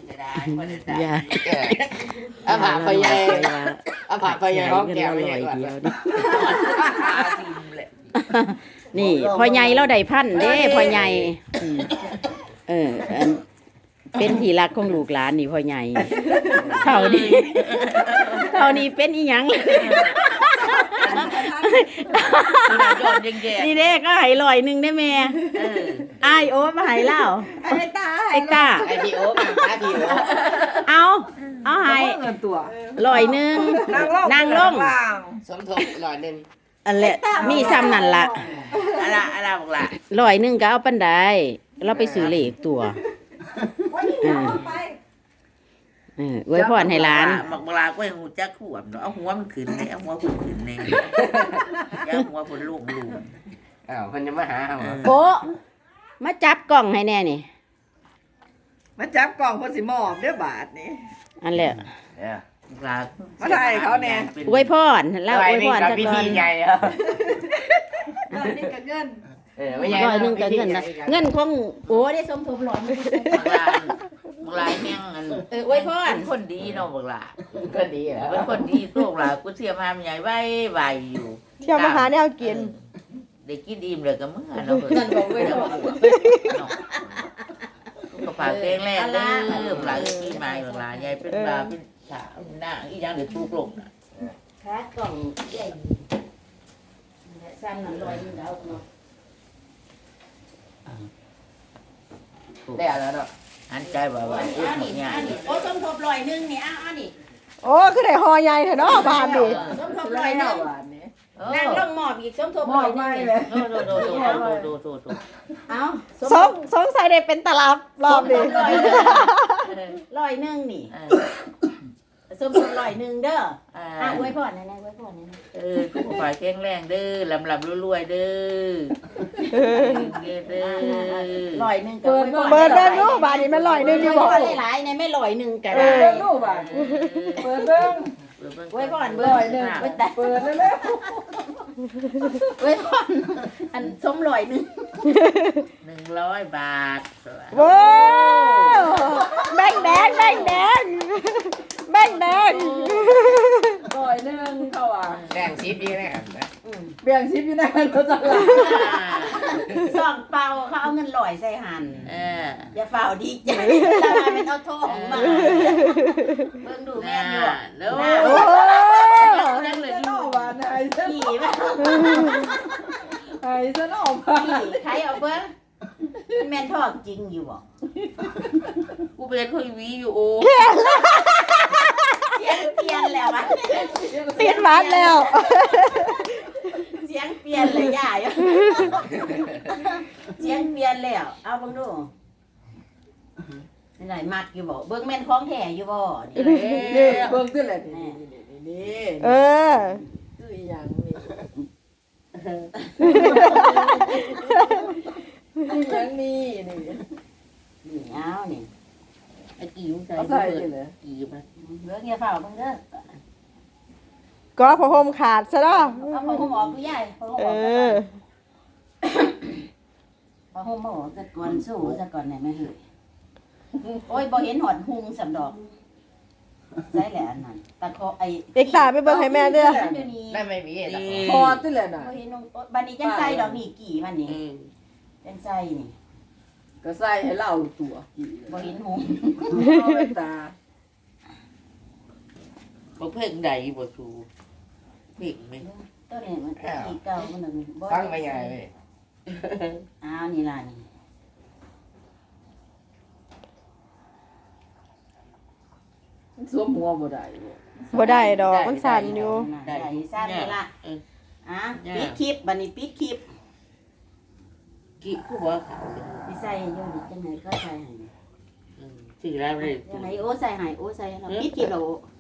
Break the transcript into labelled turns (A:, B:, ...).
A: จะได้บ่ได้
B: อย่า
C: อาผาพยายอาผาพยายห้องแก้ว
B: ล
C: ไม่
B: อ
C: ใช่
B: ย
C: ก่อน
B: เดียวนี่
A: ทิมแหละ
B: นี่พ่อใหญ่เราได้พันเด้พ่อใหญ่อันเป็นที่รักของลูกหลานนี่พ่อใหญ่เท่านี้เป็นอีหยัง
A: ยอดแย่
B: นี่เด้ก็ให้ร้อยหนึงได้แม่อ้ายโอ้มาให้เล่าไอ้ตา
C: ไอพีโอมาป้าพีโอ
B: เอาให้
D: เงินตัว
B: ร้อยหนึงนั่งลง
C: สมทบหน่อยนึง
B: อันแหละมีซ้ำนั่นล่ะ
A: อะไรบอกล่ะ
B: ร้อยหนึงก็เอาปันไดเราไปซื้อเลขตัวไว้พรให้หลาน
A: บักบลาก็ให้หูจักขวบเนาะเอาหัวมันขึ้นเลยเอาหัวขึ้นเลยอย่าหัวคนลูก
C: อ้าวคนจะมาหาเอา
B: โปะมาจับกล่องให้แน่นี่
D: มาจับกล่องคนสิมอบเด้อบาทนี่
B: อันแหละ
A: ลา
D: มาถ่ายเขาแน่
B: อวยพรเล่าอวยพร
C: กับ
B: ซะ
C: พิ
B: ก่อ
C: ธี
B: น
C: ใหญ่แล้ว
D: ร้อยนี่กับเงิน
C: ไม่ใหญ่
B: ร้อยหนึงก็เงินนะเงินของโอ้ได้สมทบร้อยหนึ่ง
A: บักลาแห้งอัน
B: อวยพร
A: เป็นคนดีเนาะบักลา
C: ก็ดีแล้ว
A: เป็นคนดีโตกลากูเทียมหามใหญ่ไว้อยู่
E: เที่ยวมาหาแนวกิน
A: ได้กินอิ่มเลยก็มึงเนาะนั่นบอกไว้เนาะก็ฝากเพลงแรกเด้อบักลาก็กินมาบักลาใหญ่เป็นบาเป็นสาวหน้าอีหยังเดี๋ยวทุกลง
B: ขากล่องใหญ่ซ้ำนั่นร้อยหนึงเอาเนาะ
C: ได้แล้วเนาะ
A: อันใจว่าอุ้ยเนี่ย
B: โอ้สมทบร้อยหนึงนี่เอานี่
E: โอ้คือได้หอใหญ่เถอะเนาะบานดิ
B: สมทบร้อยหนึง
D: บาทนี่
B: นั่งลงหมอบอีกสมทบ
D: ม
B: ร้
D: อ
B: อบ ยหนึ
D: ไม่
B: ง
D: เลย
A: โด
B: เอา
E: สงสัยได้เป็นตลับรอบดิ
B: ร้อยหนึงนี่สมทบร้อยหนึงเด้ออวยพรแน่ๆอวยพรแน่
A: ทุกฝ่ายแข็งแรงเด้อลำรวยเด้อ
B: ๆร้อยหนึงก็อวยพร
E: เบิดเบิ่งรู้บานนี่มันร้อยหนึงอยู่บ่
B: หลายๆในไม่ร้อยหนึงก็
D: เปิ
B: ได้
D: ดเบิ่งรูปบาทเปิดเบิ่ง
B: อวยพรเบิ่
D: ร้อยหนึ่ง
B: ไว้แต่
D: เปิดเร็ว
B: อวยพรอันสมร้อยหนึง
A: 100 บาท
E: โว้าวแบ่งแดงแบ่งแดงแบ่งแดง
D: ร้อยหนึ่งเขาอ่ะ
C: แดงซีดีนะครับ
D: เบี่ยงชิปอยู่ในรถจักรยาน
B: ซองเปล่าเขาเอาเงินลอยใส่หัน อย่าเฝ้าดีใจตาเป็นเอาทองมาเบิ่งดูแม่นอยู่
A: เด้อ
E: โอ้
A: นั่งเลย
D: จะนอกบาทไอ้เส้น
B: ขี่แม่
D: ไอ้เส้นออกบาท
B: ขี่ใครเอาเบิ่งแม่นทองจริงอยู่บ่
A: กูเป็นคนวีอยู่โอ้
B: เสียงเปลี่ยนแล้ววะ
E: เปลี่ยนบาทแล้ว
B: เสียงเปลี่ยนเลยย่าอยู่เสียงเปลี่ยนแล้วเอาเบิ่งดูนี่ไหนมักอยู่บ่เบิ่งแม่นของแท้อยู่บ่นี่
D: นี่เบิ่งขึ้นเลยนี่นี่
E: เออ
D: คืออีหยังนี่อีหยังนี่นี่
B: นี่เอานี่
A: ไอ้กิ้วใส่
D: เขาใส่นี่เลย
A: กิ้วมา
B: เบิ่งอย่าเฝ้าเบิ่งเด้อ
E: ก็พอห่มขาดซะเนาะ
B: เอาผ้าห่มออกดูยายผ้าห่ม
E: เอ
B: ออกซะก่อ
E: อน
B: ผ้าห่มออกซะก่อนสู้ซะก่อนได้ไหมเฮ้ยโอ้ยบ่เห็นหอดหุงสำดอกใช่แหละอันนั้นตะโคไอ้
E: เด็กตาไปเบิ่งให้แม่เด้อ
B: มันอยู่นี่
C: ได้ไม่มีหรอก
D: พอที่เลยน่ะ
B: บ่เห็นนุ่งบัดนี้จังใส่ดอกนี่กี่มันนี่จังใส่นี่
D: ก็ใส่ให้เล่าตัว
B: บ่เห็นหุง
D: เอาไปตา
A: บ่เพ่งใดบ่สูเพ่งไหม
B: ตัวนี้มันตะกี้เก่ามันนึงบ่
C: ฟังไม่ใหญ่เลย
B: อ้าวนี่ล่ะนี่
D: สวมหัวบ่ได้บ่
E: บ่ได้ดอกมันสั่นอยู่
B: ได้สั่นนี่ล่ะปิดคลิปบัดนี้ปิดคลิป
A: กี่กูบ่ขาว
B: สิใส่อยู่ดิจังได๋ก็ใส่ให้
A: สิแล้วเลย
B: จังได๋โอ้ใส่ให้โอ้ใส่ให้ปิดคลิปแล้ว